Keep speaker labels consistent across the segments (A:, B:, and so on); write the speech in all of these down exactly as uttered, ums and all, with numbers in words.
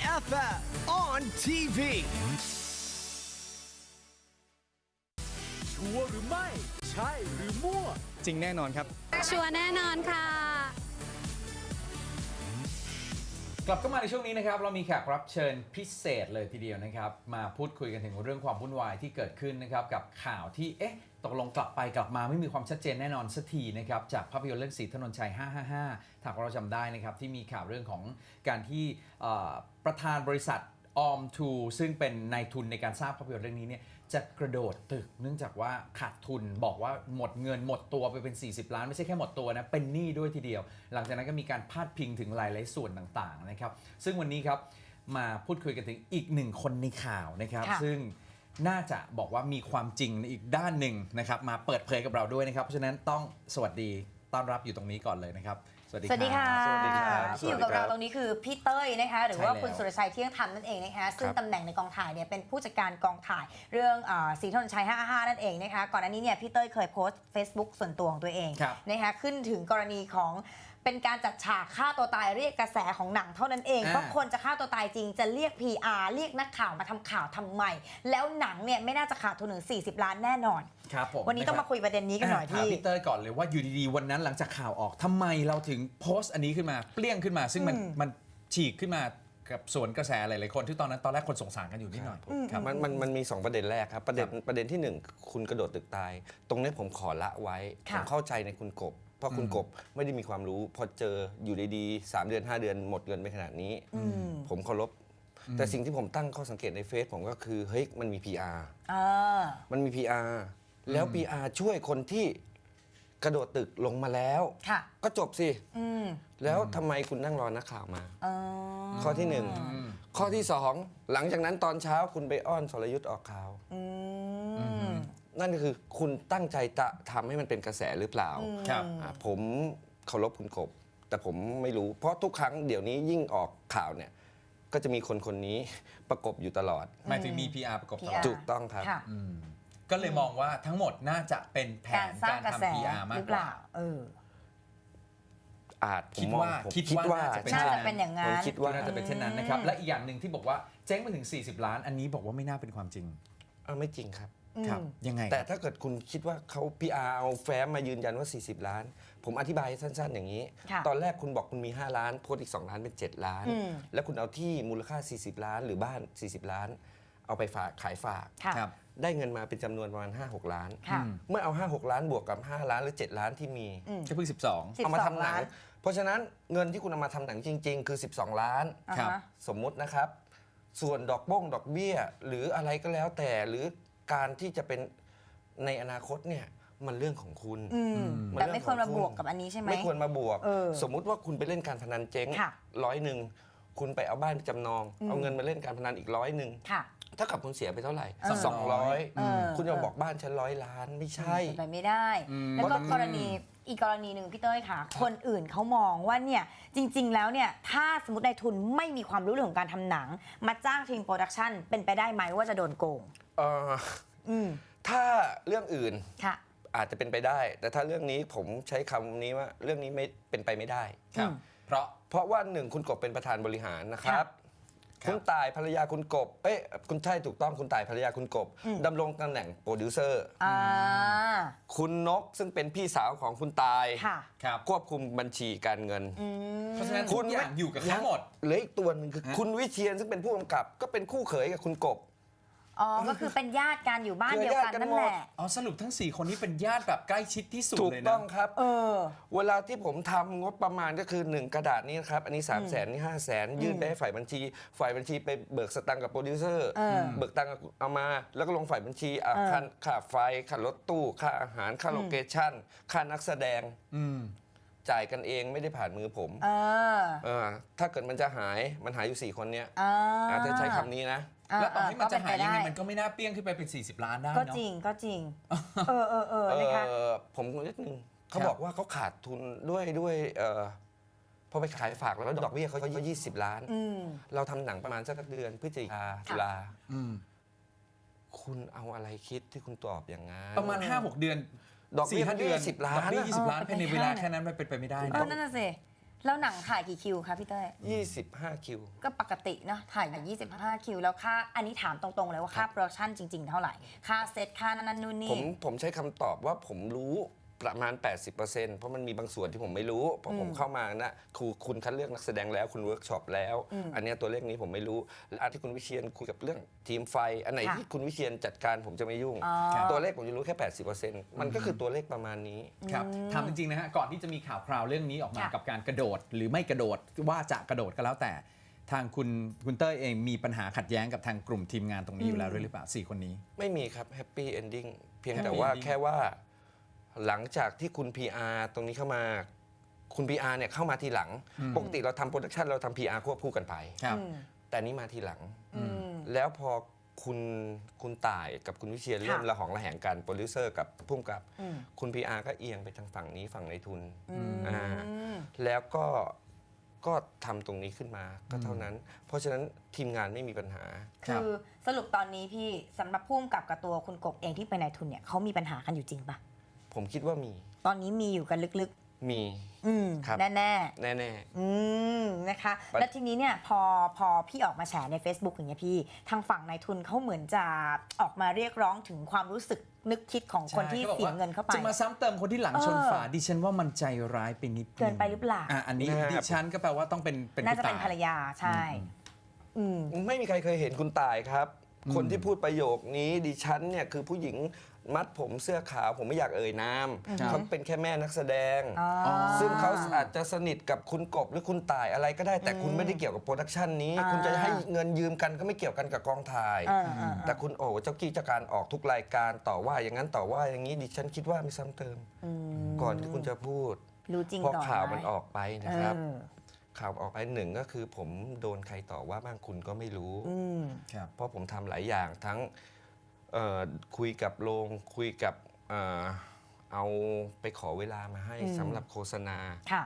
A: เอฟ เอ็ม on ที วี ชัวร์หรือไม่ ใช่หรือมั่ว
B: จริงแน่นอนครับ
C: ชัวร์แน่นอนค่ะ
D: กลับเข้ามาในช่วงนี้นะครับเรามีแขกรับเชิญพิเศษเลยทีเดียวนะครับมาพูดคุยกันถึงเรื่องความวุ่นวายที่เกิดขึ้นนะครับกับข่าวที่เอ๊ะตกลงกลับไปกลับมาไม่มีความชัดเจนแน่นอนสักทีนะครับจากภาพยนตร์เรื่องศรีถนนชัยห้าห้าห้าถ้าเราจำได้นะครับที่มีข่าวเรื่องของการที่ประธานบริษัทออมทูซึ่งเป็นนายทุนในการสร้างภาพยนตร์เรื่องนี้เนี่ยจะกระโดดตึกเนื่องจากว่าขาดทุนบอกว่าหมดเงินหมดตัวไปเป็นสี่สิบล้านไม่ใช่แค่หมดตัวนะเป็นหนี้ด้วยทีเดียวหลังจากนั้นก็มีการพาดพิงถึงหลายๆส่วนต่างๆนะครับซึ่งวันนี้ครับมาพูดคุยกันถึงอีกหนึ่งคนในข่าวนะครับซึ่งน่าจะบอกว่ามีความจริงในอีกด้านหนึ่งนะครับมาเปิดเผยกับเราด้วยนะครับเพราะฉะนั้นต้องสวัสดีต้อนรับอยู่ตรงนี้ก่อนเลยนะครับสวัสดี
E: สวัสดีค่ะ
D: สวัสดีครับ
E: ที่อยู่กับเราตรงนี้คือพี่เต้ยนะคะหรือว่า
D: ใช่แล้ว
E: คุณสุรชัยเที่ยงธรรมนั่นเองนะคะซึ่ง
B: ครับ
E: ตำแหน่งในกองถ่ายเนี่ยเป็นผู้จัดการกองถ่ายเรื่องศรีถนนชัยห้าห้านั่นเองนะคะก่อนหน้านี้เนี่ยพี่เต้ยเคยโพสต์ Facebook ส่วนตัวของตัวเอง
D: ครับ
E: นะคะขึ้นถึงกรณีของเป็นการจัดฉากฆ่าตัวตายเรียกกระแสของหนังเท่านั้นเอง
D: อ่า
E: เพราะคนจะฆ่าตัวตายจริงจะเรียก พี อาร์ เรียกนักข่าวมาทำข่าวทำไมแล้วหนังเนี่ยไม่น่าจะขาดทุนถึงสี่สิบล้านแน่นอน
D: ครับผม
E: วันนี้ต้องมาคุยประเด็นนี้กันหน่อย
D: ถาม
E: พี่
D: พี่เต้ยก่อนเลยว่าอยู่ดีๆวันนั้นหลังจากข่าวออกทำไมเราถึงโพสต์อันนี้ขึ้นมาเปรี้ยงขึ้นมา ซึ่งมันมันฉีกขึ้นมากับสวนกระแสหลายๆคนที่ตอนนั้นตอนแรกคนสงสารกันอยู่นิดหน่อยครับ
F: มันมันมันมีสองประเด็นแรกครับประเด็นประเด็นที่หนึ่งคุณกระโดดตึกตาย ตรงนี้ผมขอละไว้ผ
E: ค่ะ
F: มเข้าใจในคุณกบ เพราะคุณกบไม่ได้มีความรู้ พอเจออยู่ดีๆสามเดือนห้าเดือนหมดเงินไปขนาดนี้ ผมเคารพแต่สิ่งที่ผมตั้งข้อสังเกตในเฟซผมก็คือเฮ้ยมันมี พี อาร์
E: เออ
F: มันมี พี อาร์ แล้ว พี อาร์ ช่วยคนที่กระโดดตึกลงมาแล้ว
E: ค่ะ
F: ก็จบสิ
E: อืม
F: แล้วทำไมคุณนั่งรอนักข่าวมา
E: เออ
F: ข้อที่หนึ่งข้อที่สองหลังจากนั้นตอนเช้าคุณไปอ้อนสรยุทธ์ออกข่าว
E: อืม
F: นั่นก็คือคุณตั้งใจจะทำให้มันเป็นกระแสหรือเปล่า
D: ครับ
F: อ่าผมเคารพคุณกบ แต่ผมไม่รู้ เพราะทุกครั้งเดี๋ยวนี้ยิ่งออกข่าวเนี่ยก็จะมีคนคนนี้ประกบอยู่ตลอด
D: หมายถึงมี พี อาร์ ประกบตลอด
E: พี อาร์
F: ถูกต้องครับ
E: ค่ะ
D: อืมก็เลยมองว่าทั้งหมดน่าจะเป็นแผ
E: การ
D: น
E: สร้าง
D: การ
E: กระแส
D: ทำ พี อาร์ มาก
E: หรือก เป
D: ว่า
E: ล่า เออ
F: อาจผม
D: คิด
F: มอง
D: ว่า
F: ผม
D: คิดว่าน่าจะเป็น
E: น่าจะเป็นอย่างนั้น
F: ผมคิดว่า
D: น่าจะเป็นเช่นนั้นนะครับและอีกอย่างหนึ่งที่บอกว่าเจ๊งไปถึงสี่สิบล้าน อันนี้บอกว่าไม่น่าเป็นความจริง
F: อ่าไม่จริงครับ
D: ครับยังไง
F: แต่ถ้าเกิดคุณคิดว่าเขา พี อาร์ เอาแฟ้มมายืนยันว่า สี่สิบ ล้าน ผมอธิบายสั้นๆ อย่างนี้
E: ค่ะ
F: ตอนแรกคุณบอกคุณมี ห้า ล้าน โพสต์อีก สอง ล้านเป็น เจ็ด ล้าน
E: อืม
F: แล้วคุณเอาที่มูลค่า สี่สิบ ล้าน หรือบ้าน สี่สิบ ล้าน เอาไปฝากขายฝาก
E: ค่ะ
D: ครับ
F: ได้เงินมาเป็นจำนวนประมาณ ห้าหก ล้าน
E: ค่ะ
F: เมื่อเอา ห้าหก ล้านบวกกับ ห้า ล้านหรือ เจ็ด ล้านที่มี
E: อืม
D: ก็เพิ่งสิบสอง
E: สิบ
F: เอามา
E: สอ
F: ทำ
E: ง
F: หนั
E: ล้าง น
F: เพราะฉะนั้นเงินที่คุณเอามาทำหนังจริง ๆ คือ สิบสอง ล้าน
E: อ่า
D: ครับ
E: ฮะ
F: สมมุตินะครับ ส่วนดอกบ้งดอกเบี้ย หรืออะไรก็แล้วแต่หรือการที่จะเป็นในอนาคตเนี่ยมันเรื่องของคุณ
E: อืม
F: มัน
E: แต่
F: เรื่
E: ไม่
F: อง
E: ควรมา
F: ของ
E: บ
F: คุณ
E: วกกับอันนี้ใช่ไหม
F: ไม่ควรมาบวก
E: เออ
F: สมมุติว่าคุณไปเล่นการพนันเจ๊ง
E: ค่ะ
F: ร้อยหนึ่งคุณไปเอาบ้านไปจำนอง เอาเงินมาเล่นการพนันอีกร้อยหนึ่ง
E: ค่ะ
F: ถ้ากับคุณเสียไปเท่าไหร่
E: เออ
F: สองร้อย
E: เออ
F: คุณจะบอกบ้านฉันร้อยล้านไม่ใช่
E: เป็นไปไม่ได้
D: อืม
E: แล้วก็กรณีอีกกรณีหนึ่งพี่เต้ยค่ะ คนอื่นเขามองว่าเนี่ยจริง ๆ แล้วเนี่ยถ้าสมมตินายทุนไม่มีความรู้เรื่องของการทำหนัง มาจ้างทีมโปรดักชันเป็นไปได้ไหมว่าจะโดนโกง
F: เอ่อ
E: อืม
F: ถ้าเรื่องอื่น
E: ค่ะ
F: อาจจะเป็นไปได้ แต่ถ้าเรื่องนี้ผมใช้คำนี้ว่าเรื่องนี้ไม่เป็นไปไม่ได้
D: ครับ
E: อืม
D: เพราะ
F: เพราะว่าหนึ่งคุณกบเป็นประธานบริหารนะครับ
D: ครับ
F: คุณต่ายภรรยาคุณกบ เอ้ยคุณใช่ถูกต้องคุณต่ายภรรยาคุณกบดำรงตำแหน่งโปรดิวเซอร์
E: อ่า
F: คุณนกซึ่งเป็นพี่สาวของคุณตาย
E: ค่ะ
D: ครับ
F: ควบคุมบัญชีการเงิน
E: อืม
D: เพราะฉะนั้นทุกอย่างอยู่กับเขาหมด
F: เหลืออีกตัวหนึ่งคือคุณวิเชียนซึ่งเป็นผู้กำกับ ก็เป็นคู่เขยกับคุณกบ
E: อ๋อ ก็คือเป็นญาติกันอยู่บ้านเดียวกันนั่นแหละ
D: อ๋อสรุปทั้ง สี่ คนนี้เป็นญาติแบบใกล้ชิดที่สุด
F: ถูก
D: เลย
F: ต้
D: นะ
F: องครับ
E: เออ
F: เวลาที่ผมทำงบประมาณก็คือ หนึ่ง กระดาษนี้นะครับ อันนี้ 3 0 0แสนนี่ ห้า แสนยื่นไปให้ฝ่ายบัญชี ฝ่ายบัญชีไปเบิกสตังค์กับโปรดิวเซอร์
E: เออ
F: เบิกตังค์เอามา แล้วก็ลงฝ่ายบัญชีอ่ะ
E: เออ
F: ค่าค่าไฟ ค่ารถตู้ ค่าอาหาร ค่าโลเคชั่น ค่านักแสดง
D: อืม
F: จ่ายกันเองไม่ได้ผ่านมือผม
E: เออ
F: เออถ้าเกิดมันจะหาย มันหายอยู่ สี่ คนเนี้ย
E: อ่า
F: อาจจะใช้คำนี้นะ
D: แล้วต่อให้มันจะหายยังไง
E: ก็เป็นปด้
D: มันก็ไม่น่าเปี้ยงขึ้นไปเป็น สี่สิบ ล้านได้
E: ก็
D: เนาะ
E: จริงก็จริง เออเออเออนะคะ
F: เออผมนิดนึงเขา
D: ครับ
F: บอกว่าเขาขาดทุนด้วยด้วยเออพอไปขายฝากแล้วดอกเบี้ยเขายี่สิบล้าน
E: อืม
F: เราทำหนังประมาณสักเดือนพฤศจิกาตุลา
D: อืม
F: คุณเอาอะไรคิดที่คุณตอบอย่างนั้น
D: ประมาณ ห้าหก เดือน
F: ดอกเบี้ย
D: สี่ห้าเดือน
F: ยี่สิบล้าน
D: ดอกเบี้ย
F: อะ
D: ยี่สิบล้าน
E: เออ
D: ภายใน
E: เป็นไป
D: เวลา
E: ได้
D: แค่นั้นมันเป็นไปไม่ได้
E: เออ
D: เนาะ
E: นั่นน่ะสิแล้วหนังถ่ายกี่คิวคะพี่เต้ย
F: ยี่สิบห้า คิว
E: ก็ปกติเนาะถ่ายอย่างยี่สิบห้าคิวแล้วค่าอันนี้ถามตรงๆเลยว่าค่าโปรดักชั่นจริง ๆ เท่าไหร่ ค่าเซตค่านั่นนู่น
F: ผ
E: นี่
F: มผมใช้คำตอบว่าผมรู้ประมาณ แปดสิบเปอร์เซ็นต์ เพราะมันมีบางส่วนที่ผมไม่รู้เพราะผมเข้ามานะครูคุณคัดเลือกนักแสดงแล้วคุณเวิร์กช็อปแล้ว อันเนี้ยตัวเลขนี้ผมไม่รู้และอันที่คุณวิเชียนคุยกับเรื่องทีมไฟ อันไหน
E: ค่ะ
F: ที่คุณวิเชียนจัดการผมจะไม่ยุ่ง
E: อ๋อ
F: ตัวเลขผมจะรู้แค่ แปดสิบเปอร์เซ็นต์ มันก็คือตัวเลขประมาณนี้
D: ครับถามจริงๆนะฮะก่อนที่จะมีข่าวคราวเรื่องนี้ออกมา
E: ค่ะ
D: กับการกระโดด หรือไม่กระโดดว่าจะกระโดดก็แล้วแต่ทางคุณคุณเต้ยเองมีปัญหาขัดแย้งกับทางกลุ่มทีมงานตรงนี้อยู่แล้วด้วยหรือเปล่าสี่คนนี้
F: ไม่มีครับแฮปปี้เอนดิ้งเพียง
D: Happy
F: แต่ว่า
D: ending
F: แค่ว่าหลังจากที่คุณ พี อาร์ ตรงนี้เข้ามาคุณ พี อาร์ เนี่ยเข้ามาทีหลัง ปกติเราทำโปรดักชันเราทำ พี อาร์ ควบคู่กันไป
D: ครับ
E: อืม
F: แต่นี้มาทีหลัง
E: อืม
F: แล้วพอคุณคุณต่ายกับคุณวิเชียน
E: ค่ะ
F: เริ่มระหองระแหงกันโปรดิวเซอร์กับผู้กำกับ
E: อืม
F: คุณ พี อาร์ ก็เอียงไปทางฝั่งนี้ฝั่งในทุน
E: อืม
F: อ่า แล้วก็ก็ทำตรงนี้ขึ้นมาก็เท่านั้น เพราะฉะนั้นทีมงานไม่มีปัญหา
E: คือสรุปตอนนี้พี่สำหรับพุ่มกับกับตัวคุณกบเองที่เป็นนายทุนเนี่ยเขามีปัญหากันอยู่จริงปะ
F: ผมคิดว่ามี
E: ตอนนี้มีอยู่กันลึก
F: มี
E: ๆ อืม
F: ครับ
E: แน่
F: แน่
E: ๆอืมนะคะ
F: ปัญ
E: แล้วทีนี้เนี่ยพอพอพี่ออกมาแฉใน Facebook อย่างเงี้ยพี่ทางฝั่งนายทุนเขาเหมือนจะออกมาเรียกร้องถึงความรู้สึกนึกคิดของคนที่
D: ใช่
E: เสียเงินเข้าไป
D: จะมาซ้ำเติมคนที่หลังชนฝา
E: เออ
D: ดิฉันว่ามันใจร้ายไปนิดง
E: เกินไปหรือเปล่า
D: อ่ะอันนี้
F: นะครับ
D: ดิฉันก็แปลว่าต้องเป็นเป็น
E: น่า
D: คุณ
E: จะเป็น
D: ต่ย
E: ภรรยาใช่ อืม
F: ไม่มีใครเคยเห็นคุณต่ายครับ คนที่พูดประโยคนี้ดิฉันเนี่ยคือผู้หญิงมัดผมเสื้อขาวผมไม่อยากเอ่ยนาม
D: ครับ
F: เขาเป็นแค่แม่นักแสดง
E: อ๋อ
F: ซึ่งเขาอาจจะสนิทกับคุณกบหรือคุณต่ายอะไรก็ได้ แต่คุณไม่ได้เกี่ยวกับโปรดักชันนี้
E: อ่า
F: คุณจะให้เงินยืมกันก็ไม่เกี่ยวกันกับกองถ่าย
E: อ่าอ่า
F: แต่คุณโอ้เจ้ากี้เจ้าการออกทุกรายการต่อว่าอย่างนั้นต่อว่าอย่างนี้ดิฉันคิดว่ามีซ้ำเติม
E: อืม
F: ก่อนที่คุณจะพูด
E: รู้จริง
F: เพราะ
E: ก่อน
F: ข่าว
E: ไห
F: มันออกไปนะครับ
E: เออ
F: ข่าวออกไปหนึ่งก็คือผมโดนใครต่อว่าบ้างคุณก็ไม่รู้
E: อืม
D: ครับ
F: เพราะผมทำหลายอย่างทั้งเอ่อคุยกับโรงคุยกับเอ่อเอาไปขอเวลามาให้
E: อืม
F: สำหรับโฆษณา
E: ค่ะ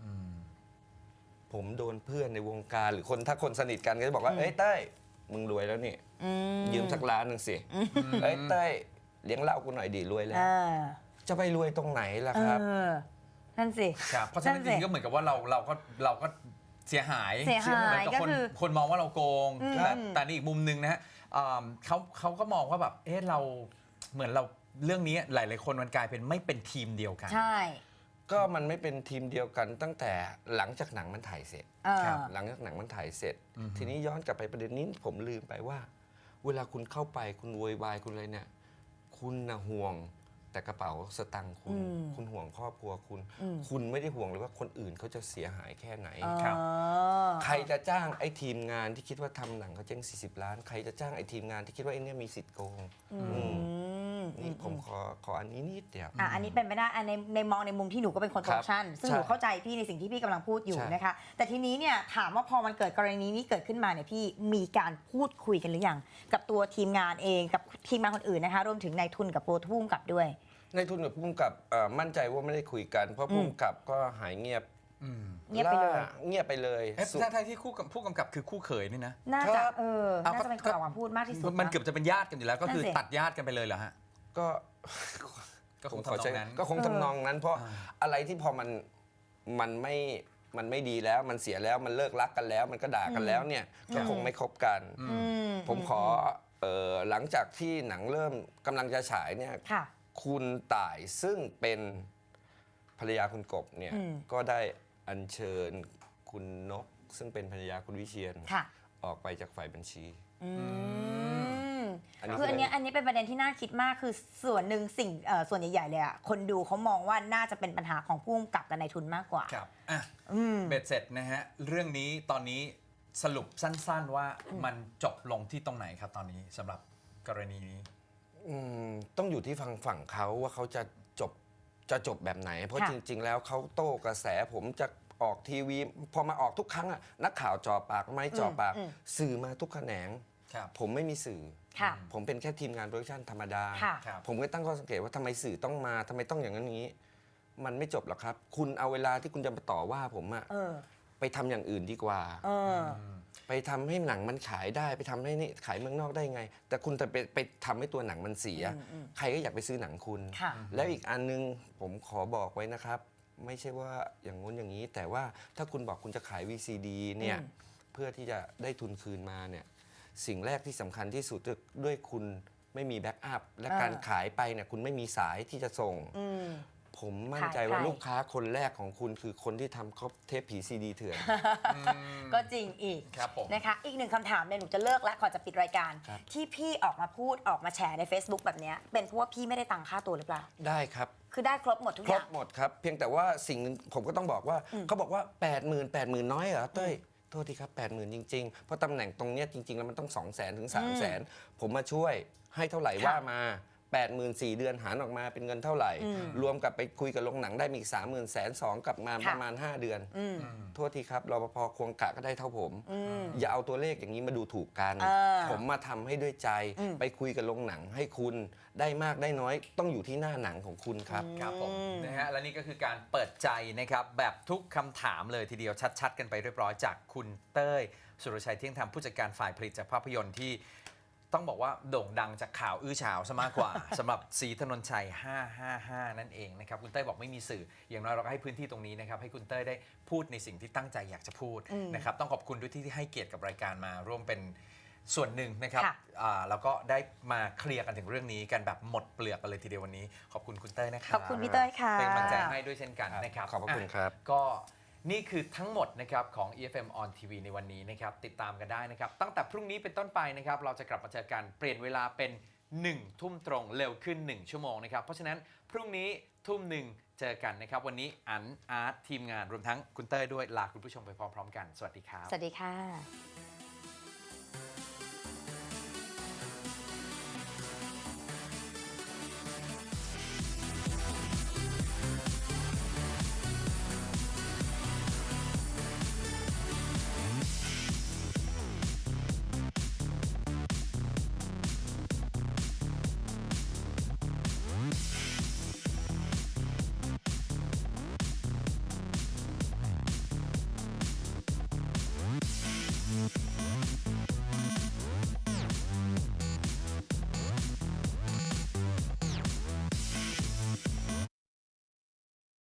F: ผมโดนเพื่อนในวงการหรือคนถ้าคนสนิทกันก็จะบอกว่า
E: อืม
F: เอ้ยเต้ยมึงรวยแล้วนี่
E: อืม
F: ยืมสักล้านหนึ่งสิเอ้ยเต้ยเลี้ยงเหล้ากูหน่อยดีรวยแล้ว
E: เออ
F: จะไปรวยตรงไหนล่ะ
E: เอ
F: ครับ
E: อ นั่นสิ
D: ครับเพราะฉะนั้นจ
E: สิ
D: ริงๆก็เหมือนกับว่าเราเราก็เราก็เสียหาย
E: เสียหาย
D: เหมือนกับคน
E: ก็คือ
D: คนมองว่าเราโกง
E: อืม
D: แต่แต่ในอีกมุมหนึ่งนะฮะอ่าเขาเขาก็มองว่าแบบเอ๊ะเราเหมือนเราเรื่องนี้หลายๆคนมันกลายเป็นไม่เป็นทีมเดียวกัน
E: ใช่
F: ก็มันไม่เป็นทีมเดียวกันตั้งแต่หลังจากหนังมันถ่ายเสร็จ
E: เออ
D: ครับ
F: หลังจากหนังมันถ่ายเสร็จ ทีนี้ย้อนกลับไปประเด็นนี้ผมลืมไปว่า เวลาคุณเข้าไปคุณโวยวายคุณอะไรเนี่ย คุณนะห่วงแต่กระเป๋าสตังค์คุณ
E: อืม
F: คุณห่วงครอบครัวคุณ
E: อืม
F: คุณไม่ได้ห่วงเลยว่าคนอื่นเขาจะเสียหายแค่ไหน
D: ครับ
E: เออ
F: ใครจะจ้างไอ้ทีมงานที่คิดว่าทำหนังเขาเจ๊งสี่สิบล้าน ใครจะจ้างไอ้ทีมงานที่คิดว่าไอ้เนี่ยมีสิทธิ์โกง
E: อื
F: อืม
E: ม
F: นี่ผมขอขออันนี้นิดเดียว
E: อ่ะอันนี้เป็นไปได้อันในในมองในมุมที่หนูก็เป็นคนโปรดักชันซึ่ง
F: ใช่
E: หนูเข้าใจพี่ในสิ่งที่พี่กำลังพูดอยู่
F: ใช่
E: นะคะ แต่ทีนี้เนี่ยถามว่าพอมันเกิดกรณีนี้เกิดขึ้นมาเนี่ยพี่มีการพูดคุยกันหรือยังกับตัวทีมงานเองกับทีมงานคนอื่นนะคะ รวมถึงนายทุนกับโปรทุ่มกับด้วย
F: ในทุนกับผู้กำกับเอ่อมั่นใจว่าไม่ได้คุยกัน เพราะผู้กำกับก็หายเงียบ
D: อืม
E: เงียบไปเลย
F: าเงียบไปเลย
D: เอ๊ะ
F: สุด
D: ถ้าที่คู่กับผู้กำกับคือคู่เขยนี่นะ
E: น่า
F: ครั
E: จะ
F: บ
E: เออ
D: เอา
E: น่า
D: ก็
E: จะเป็นคนออกมาพูดมากที่สุด
D: มัน
E: นะ
D: เกือบจะเป็นญาติกันอยู่แล้วก็คือ
E: นั่นสิ
D: ตัดญาติกันไปเลยเหรอฮะ
F: ก็
D: ก็คง
F: ผมขอ
D: ทำน
F: ใช้
D: องนั้น
F: ก็คงทำนองนั้น เพราะ
D: อ่า
F: อะไรที่พอมันมันไม่มันไม่ดีแล้วมันเสียแล้วมันเลิกรักกันแล้ว มันก็ด่ากันแล้วเนี่ยก็คงไม่คบกัน
E: อืม
F: ผมขอเอ่อหลังจากที่หนังเริ่มกำลังจะฉายเนี่ย
E: ค่ะ
F: คุณต่ายซึ่งเป็นภรรยาคุณกบเนี่ย
E: อืม
F: ก็ได้อัญเชิญคุณนก ซึ่งเป็นภรรยาคุณวิเชียน
E: ค่ะ
F: ออกไปจากฝ่ายบัญชี
E: อืม
F: อันนี้
E: คืออันเนี้ยอันนี้เป็นประเด็นที่น่าคิดมากคือส่วนหนึ่งสิ่งเอ่อส่วนใหญ่ๆเลยอะคนดูเขามองว่าน่าจะเป็นปัญหาของผู้กำกับกับนายทุนมากกว่า
D: ครับอ่ะ
E: อืม
D: เบ็ดเสร็จนะฮะ เรื่องนี้ตอนนี้สรุปสั้นๆว่ามันจบลงที่ตรงไหนครับตอนนี้สำหรับกรณีนี้
F: อืมต้องอยู่ที่ฝั่งฝั่งเขาว่าเขาจะจบจะจบแบบไหน เพราะ
E: ค่ะ
F: จริง ๆ แล้วเขาโต้กระแสผมจะออกทีวี พอมาออกทุกครั้งอะนักข่าวจ่อปากไม่จ่อปาก
E: อืม
F: สื่อมาทุกแขนง
D: ครับ
F: ผมไม่มีสื่อ
E: ค่ะ
F: ผมเป็นแค่ทีมงานโปรดักชันธรรมดา
E: ค่ะ
D: ครับ
F: ผมก็ตั้งข้อสังเกตว่าทำไมสื่อต้องมาทำไมต้องอย่างนั้นอย่างนี้ มันไม่จบหรอกครับ คุณเอาเวลาที่คุณจะมาต่อว่าผมอะ
E: เออ
F: ไปทำอย่างอื่นดีกว่า
E: เออ
F: ไปทำให้หนังมันขายได้ไปทำให้นี่ขายเมืองนอกได้ไง แต่คุณจะไปไปทำให้ตัวหนังมันเสีย
E: อืมอืม
F: ใครก็อยากไปซื้อหนังคุณ
E: ค่ะ
F: แล้วอีกอันนึงผมขอบอกไว้นะครับไม่ใช่ว่าอย่างงู้นอย่างนี้ แต่ว่าถ้าคุณบอกคุณจะขาย วี ซี ดี เนี่ย
E: อืม
F: เพื่อที่จะได้ทุนคืนมาเนี่ยสิ่งแรกที่สำคัญที่สุดด้วยคุณไม่มีแบ็กอัพและการขายไปเนี่ยคุณไม่มีสายที่จะส่ง
E: อืม
F: ผมมั่นใจ
E: ขายใคร
F: ว่าลูกค้าคนแรกของคุณคือคนที่ทำครบเทปผีซีดีเถื่อน
E: ก็จริงอีก
D: ครับผม
E: นะคะ อีกหนึ่งคำถามเนี่ยหนูจะเลิกแล้วก่อนจะปิดรายการ
F: ครับ
E: ที่พี่ออกมาพูดออกมาแชร์ใน Facebook แบบเนี้ยเป็นเพราะว่าพี่ไม่ได้ตังค่าตัวหรือเปล่า
F: ได้ครับ
E: คือได้ครบหมดทุก
F: ค
E: อ
F: รบ
E: ย่าง
F: หมดครับ เพียงแต่ว่าสิ่งหนึ่งผมก็ต้องบอกว่าเขาบอกว่า แปดหมื่น แปดหมื่น น้อยเหรอเต้ยโทษทีครับ แปดหมื่น จริง ๆ เพราะตำแหน่งตรงเนี้ยจริง ๆ แล้วมันต้อง สองแสน ถึง สามแสน ผมมาช่วยให้เท่าไหร่
E: ค่ะ
F: ว่ามา แปดหมื่น สี่เดือนหารออกมาเป็นเงินเท่าไหร่ รวมกับไปคุยกับโรงหนังได้มีอีก สามหมื่น แสนสองกลับมาประมาณ ห้า เดือน
E: อืม
F: โทษทีครับรปภควงกะก็ได้เท่าผม
E: อืม
F: อย่าเอาตัวเลขอย่างนี้มาดูถูกกัน
E: เออ
F: ผมมาทำให้ด้วยใจ
E: อืม
F: ไปคุยกับโรงหนังให้คุณได้มากได้น้อยต้องอยู่ที่หน้าหนังของคุณครับ
D: ครับผมนะฮะและนี่ก็คือการเปิดใจนะครับแบบทุกคำถามเลยทีเดียวชัดๆ กันไปเรียบร้อยจากคุณเต้ยสุรชัยเที่ยงธรรมผู้จัดการฝ่ายผลิตจากภาพยนตร์ที่ต้องบอกว่าโด่งดังจากข่าวอื้อฉาวซะมากกว่า สำหรับศรีถนนชัยห้าห้าห้านั่นเองนะครับคุณเต้ยบอกไม่มีสื่ออย่างน้อยเราก็ให้พื้นที่ตรงนี้นะครับให้คุณเต้ยได้พูดในสิ่งที่ตั้งใจอยากจะพูดนะครับต้องขอบคุณด้วยที่ให้เกียรติกับรายการมาร่วมเป็นส่วนหนึ่งนะครับ
E: ค่ะ
D: อ่าแล้วก็ได้มาเคลียร์กันถึงเรื่องนี้กันแบบหมดเปลือกกันเลยทีเดียววันนี้ขอบคุณคุณเต้ยนะครับ
E: ขอบคุณพี่เต้ยค่ะ
D: เป็นกำลังใจให้ด้วยเช่นกันนะครับ
F: ขอบพระคุณครับ
D: อ่ะก็นี่คือทั้งหมดนะครับของ อี เอฟ เอ็ม on ที วี ในวันนี้นะครับติดตามกันได้นะครับตั้งแต่พรุ่งนี้เป็นต้นไปนะครับเราจะกลับมาเจอกันเปลี่ยนเวลาเป็นหนึ่งทุ่มตรงเร็วขึ้นหนึ่งชั่วโมงนะครับเพราะฉะนั้นพรุ่งนี้ทุ่มหนึ่งเจอกันนะครับวันนี้อันอาร์ตทีมงานรวมทั้งคุณเต้ยด้วยลาคุณผู้ชมไปพร้อมๆกันสวัสดีครับ
E: สวัสดีค่ะ